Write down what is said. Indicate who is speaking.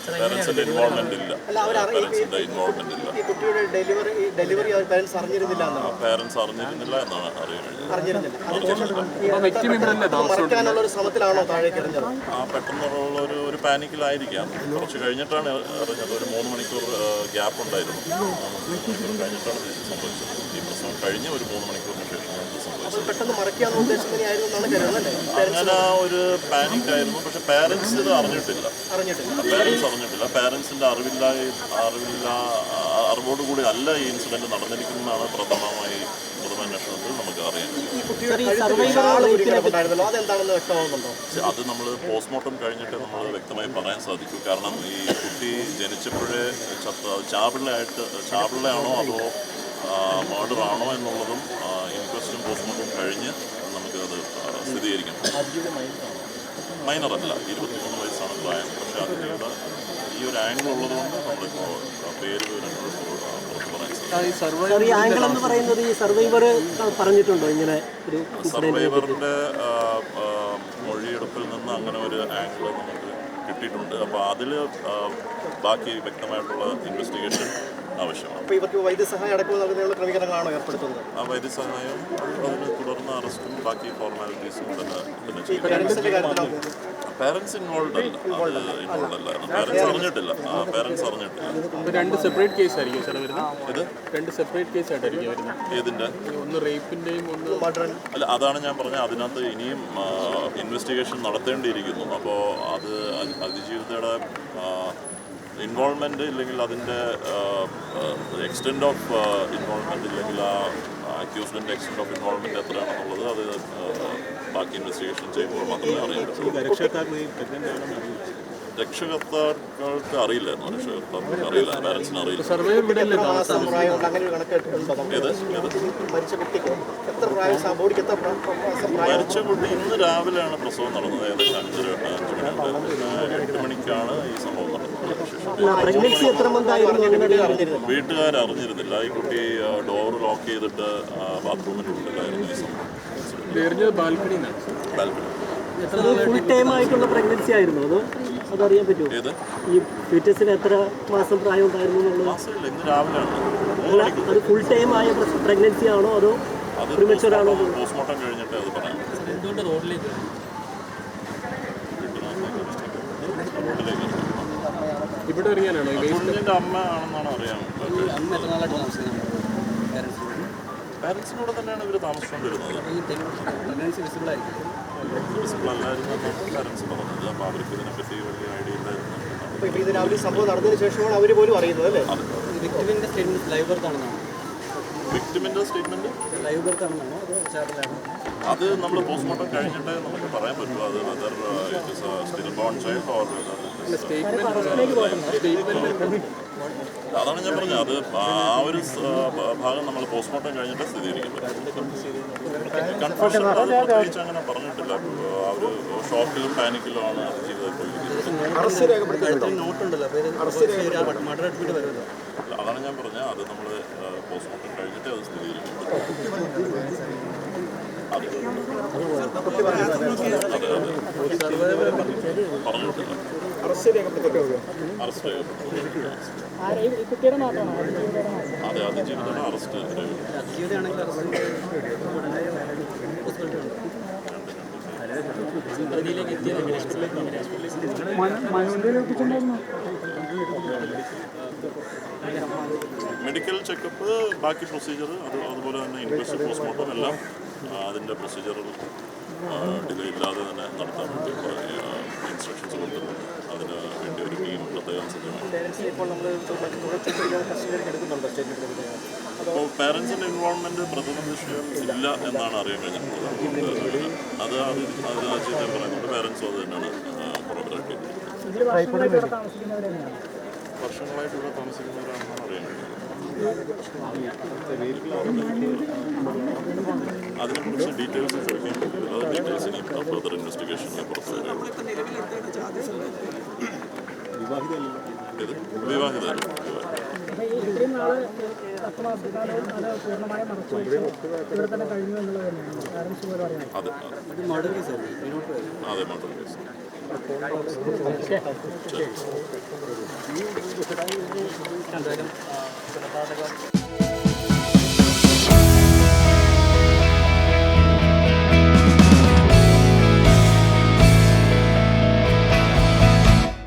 Speaker 1: പേരൻസിൻ്റെ involvement ഇല്ല. പേരൻസിൻ്റെ involvement ഇല്ല. Parents അറിഞ്ഞിരുന്നില്ല എന്നാണ് അറിയുന്നത്. പെട്ടെന്നുള്ള ഒരു പാനിക്കിലായിരിക്കാം. കുറച്ച് കഴിഞ്ഞിട്ടാണ് അറിഞ്ഞത്. ഒരു 3 മണിക്കൂർ ഗ്യാപ്പ് ഉണ്ടായിരുന്നു. 3 മണിക്കൂർ കഴിഞ്ഞിട്ടാണ് സംഭവിച്ചത്. ഈ പ്രശ്നം കഴിഞ്ഞ് ഒരു 3 മണിക്കൂറിന് ശേഷം അങ്ങനെ ഒരു പാനിക്കായിരുന്നു. പക്ഷെ പേരൻസ് ഇത് അറിഞ്ഞിട്ടില്ല. പേരൻസിൻ്റെ അറിവോടുകൂടി അല്ല ഈ ഇൻസിഡൻറ്റ് നടന്നിരിക്കുന്നതാണ് പ്രഥമമായി പൊതുവന്വേഷണത്തിൽ നമുക്ക് അറിയാം. അത് നമ്മൾ പോസ്റ്റ്മോർട്ടം കഴിഞ്ഞിട്ട് നമ്മൾ വ്യക്തമായി പറയാൻ സാധിക്കൂ. കാരണം ഈ കുട്ടി ജനിച്ചപ്പോഴേ ചാപിള്ളയാണോ അതോ മർഡർ ആണോ എന്നുള്ളതും ഇൻക്വസ്റ്റും പോസ്റ്റ്മോർട്ടം കഴിഞ്ഞ് നമുക്കത് സ്ഥിരീകരിക്കാം. മൈനറല്ല, 23 വയസ്സാണ് പ്രായം. പക്ഷേ അതിൻ്റെ ഈ ഒരു ആംഗിൾ ഉള്ളതുകൊണ്ട് നമ്മളിപ്പോൾ പേര് വിവരങ്ങൾ പുറത്ത് പറയാൻ സാധിക്കും. സർവൈവറിൻ്റെ മൊഴിയെടുപ്പിൽ നിന്ന് അങ്ങനെ ഒരു ആംഗിൾ നമുക്ക് കിട്ടിയിട്ടുണ്ട്. അപ്പോൾ അതിൽ ബാക്കി വ്യക്തമായിട്ടുള്ള ഇൻവെസ്റ്റിഗേഷൻ ആവശ്യമാണ്.
Speaker 2: വൈദ്യസഹായം അടക്കം നൽകുന്നതിനുള്ള ക്രമീകരണങ്ങളാണോ ഏർപ്പെടുത്തുന്നത്?
Speaker 1: ആ വൈദ്യസഹായം അതിന് തുടർന്ന് അറസ്റ്റും ബാക്കി ഫോർമാലിറ്റീസും തന്നെ ചെയ്യും. പേരൻസ് ഇൻവോൾവ് അല്ല. പേരൻസ് അറിഞ്ഞിട്ടില്ല.
Speaker 3: രണ്ട് സെപ്പറേറ്റ് കേസ് ആയിരിക്കും സാർ വരുന്നത്. ഇത് 2 സെപ്പറേറ്റ് കേസ് ആയിട്ടായിരിക്കും വരുന്നത്.
Speaker 1: ഏതിൻ്റെ?
Speaker 3: ഒന്ന് റേപ്പിൻ്റെയും ഒന്ന്
Speaker 1: മർഡർ. അല്ല, അതാണ് ഞാൻ പറഞ്ഞത്. അതിനകത്ത് ഇനിയും ഇൻവെസ്റ്റിഗേഷൻ നടത്തേണ്ടിയിരിക്കുന്നു. അപ്പോൾ അത് അതിജീവിതയുടെ ഇൻവോൾവ്മെൻറ്റ് ഇല്ലെങ്കിൽ അതിൻ്റെ എക്സ്റ്റെൻഡ് ഓഫ് ഇൻവോൾവ്മെൻറ്റ് ഇല്ലെങ്കിൽ ആ അക്യൂസ്ഡിൻ്റെ എക്സ്റ്റെൻഡ് ഓഫ് ഇൻവോൾവ്മെൻറ്റ് എത്രയാണെന്നുള്ളത് അത് ബാക്കി ഇൻവെസ്റ്റിഗേഷൻ ചെയ്യുമ്പോൾ മാത്രമേ അറിയാൻ പറ്റുള്ളൂ. രക്ഷകർത്താക്കൾക്ക് അറിയില്ലായിരുന്നു. രക്ഷകർത്താക്കൾക്ക് അറിയില്ല, പാരൻസിന് അറിയില്ല. മരിച്ച കുട്ടി ഇന്ന് രാവിലെയാണ് പ്രസവം നടന്നത്. ഏകദേശം 5 മണിയുണ്ട്. പിന്നെ 8 മണിക്കാണ് ഈ സംഭവം നടന്നത്. വീട്ടുകാരറിഞ്ഞിരുന്നില്ല. ഈ കുട്ടി ഡോർ ലോക്ക് ചെയ്തിട്ട് ബാത്റൂമിൻ്റെ ഉള്ളിലായിരുന്നു ഈ സംഭവം. ബാൽക്കണി.
Speaker 2: ഫുൾ ടൈം ആയിട്ടുള്ള പ്രഗ്നൻസി ആയിരുന്നു അതോ അതറിയാൻ പറ്റുമോ? ഈ ഫീറ്റസിന് എത്ര മാസം പ്രായം ഉണ്ടായിരുന്നു എന്നുള്ളത്?
Speaker 1: ഇന്ന് രാവിലെയാണ്.
Speaker 2: അത് ഫുൾ ടൈം ആയ പ്രഗ്നൻസി ആണോ അതോ പ്രിമച്വർ ആണോ?
Speaker 1: പോസ്റ്റ്മോർട്ടം കഴിഞ്ഞിട്ട് അത് പറയാം.
Speaker 3: എന്തുകൊണ്ട് റോഡിലേക്ക് ഇവിടെ അറിയാനാണോ?
Speaker 1: കുഞ്ഞിൻ്റെ അമ്മ ആണെന്നാണ് അറിയാൻ. പാരൻസിനോട് തന്നെയാണ് ഇവർ താമസിച്ചുകൊണ്ടിരുന്നത്. വിസിബിൾ അല്ലായിരുന്നു എന്നാണ് പാരൻസ് പറഞ്ഞത്. അപ്പോൾ അവർക്ക് ഇതിനെപ്പറ്റി വലിയ ഐഡിയ ഇല്ലായിരുന്നു.
Speaker 2: ഇപ്പോൾ ഇത് രാവിലെ സംഭവം നടന്നതിന് ശേഷമാണ് അവർ പോലും അറിയുന്നത് അല്ലേ?
Speaker 1: വിക്ടിമിൻ്റെ സ്റ്റേറ്റ്മെൻറ്റ് ലൈവ് ബർത്ത് അത് നമ്മൾ പോസ്റ്റ്മോർട്ടം കഴിഞ്ഞിട്ട് നമുക്ക് പറയാൻ പറ്റുമോ? അത് whether it is stillborn child or അതാണ് ഞാൻ പറഞ്ഞത്. അത് ആ ഒരു ഭാഗം നമ്മൾ പോസ്റ്റ്മോർട്ടം കഴിഞ്ഞിട്ട് സ്ഥിരീകരിക്കാൻ പറ്റും. കൺഫ്യൂഷൻ പ്രത്യേകിച്ച് അങ്ങനെ പറഞ്ഞിട്ടില്ല. ആ ഒരു ഷോക്കിലും പാനിക്കിലും ആണ് അത് ചെയ്തത് പോയിരിക്കുന്നത്. അതാണ് ഞാൻ പറഞ്ഞത്. അത് നമ്മൾ പോസ്റ്റ്മോർട്ടം കഴിഞ്ഞിട്ട് അത് സ്ഥിരീകരിക്കും. പറഞ്ഞിട്ടില്ല. അറസ്റ്റ് അതെ, അതിജീവിതയുടെ അറസ്റ്റ്. മെഡിക്കൽ ചെക്കപ്പ്, ബാക്കി പ്രൊസീജിയർ, അതുപോലെ തന്നെ ഇൻക്വസ്റ്റ്, പോസ്റ്റ്മോർട്ടം എല്ലാം അതിൻ്റെ പ്രൊസീജിയറിൽ ഡിലേ ഇല്ലാതെ തന്നെ നടത്താൻ വേണ്ടി ഇൻസ്ട്രക്ഷൻസ് കൊടുത്തിട്ടുണ്ട്. അതിന് വേണ്ടി ഒരു ടീം പ്രത്യേകം സജ്ജമാണ്. അപ്പോൾ പാരൻസിൻ്റെ ഇൻവോൾവ്മെൻറ്റ് പ്രഥമ ദൃശ്യം ഇല്ല എന്നാണ് അറിയാൻ കഴിഞ്ഞിട്ടുള്ളത്. അത് ഞാൻ പറയുന്നുണ്ട്. പാരൻസും അത് തന്നെയാണ് പുറത്തിറക്കി. വർഷങ്ങളായിട്ട് ഇവിടെ താമസിക്കുന്നവരാണെന്നാണ് അറിയാൻ കഴിഞ്ഞത്. അതിനെക്കുറിച്ച് ഡീറ്റെയിൽസ് ചോദിക്കാൻ പറ്റില്ല. അത് ഡീറ്റെയിൽസ് ഇനി ഫർദർ ഇൻവെസ്റ്റിഗേഷനിൽ പുറത്തു വരും. വിവാഹിതരല്ല. അതെ, മർഡർ കേസ്.
Speaker 2: എന്തായാലും കൊലപാതകം